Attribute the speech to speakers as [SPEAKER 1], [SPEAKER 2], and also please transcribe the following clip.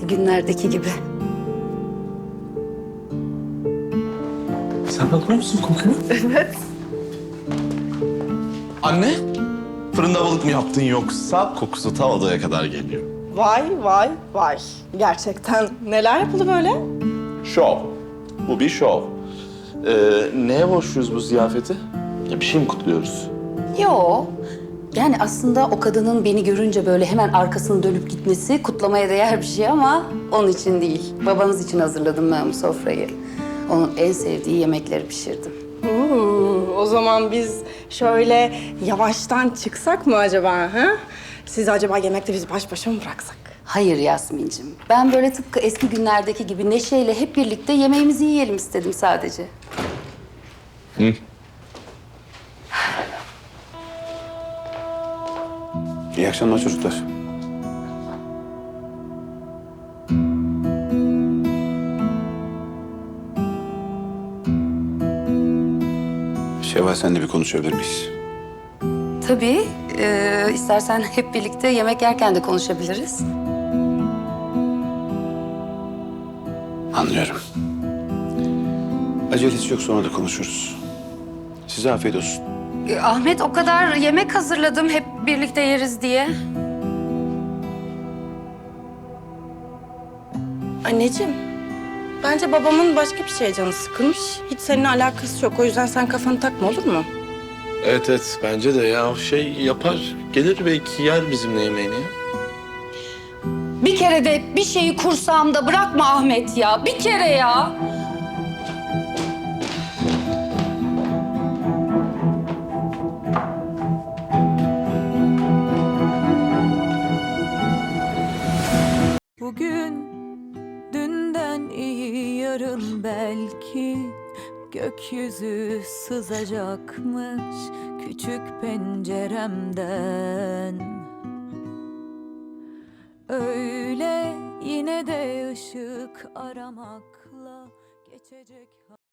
[SPEAKER 1] eski günlerdeki gibi.
[SPEAKER 2] Sen bakmıyor musun kokuya?
[SPEAKER 1] Evet.
[SPEAKER 3] Anne, fırında balık mı yaptın yoksa kokusu ta odaya kadar geliyor?
[SPEAKER 4] Vay vay vay. Gerçekten neler yapıldı böyle?
[SPEAKER 3] Şov. Bu bir şov. Neye borçluyuz bu ziyafeti? Ya bir şey mi kutluyoruz?
[SPEAKER 1] Yo. Yani aslında o kadının beni görünce böyle hemen arkasını dönüp gitmesi kutlamaya değer bir şey ama onun için değil. Babanız için hazırladım ben bu sofrayı. Onun en sevdiği yemekleri pişirdim.
[SPEAKER 4] O zaman biz şöyle yavaştan çıksak mı acaba? Ha? Siz acaba yemekte bizi baş başa mı bıraksak?
[SPEAKER 1] Hayır Yasmin'cim. Ben böyle tıpkı eski günlerdeki gibi neşeyle hep birlikte yemeğimizi yiyelim istedim sadece.
[SPEAKER 5] İyi akşamlar çocuklar. Şevval, seninle bir konuşabilir miyiz?
[SPEAKER 1] Tabii. İstersen hep birlikte yemek yerken de konuşabiliriz.
[SPEAKER 5] Anlıyorum. Acelesi yok, sonra da konuşuruz. Size afiyet olsun.
[SPEAKER 1] Ahmet, o kadar yemek hazırladım hep birlikte yeriz diye.
[SPEAKER 4] Anneciğim, bence babamın başka bir şeye canı sıkılmış. Hiç seninle alakası yok. O yüzden sen kafanı takma, olur mu?
[SPEAKER 2] Evet, bence de ya şey yapar. Gelir belki yer bizimle yemeğini ya.
[SPEAKER 1] Bir kere de bir şeyi kursağımda bırakma Ahmet ya. Bir kere ya.
[SPEAKER 6] Bugün dünden iyi, yarın belki gökyüzü sızacakmış küçük penceremden. Öyle yine de ışık aramakla geçecek.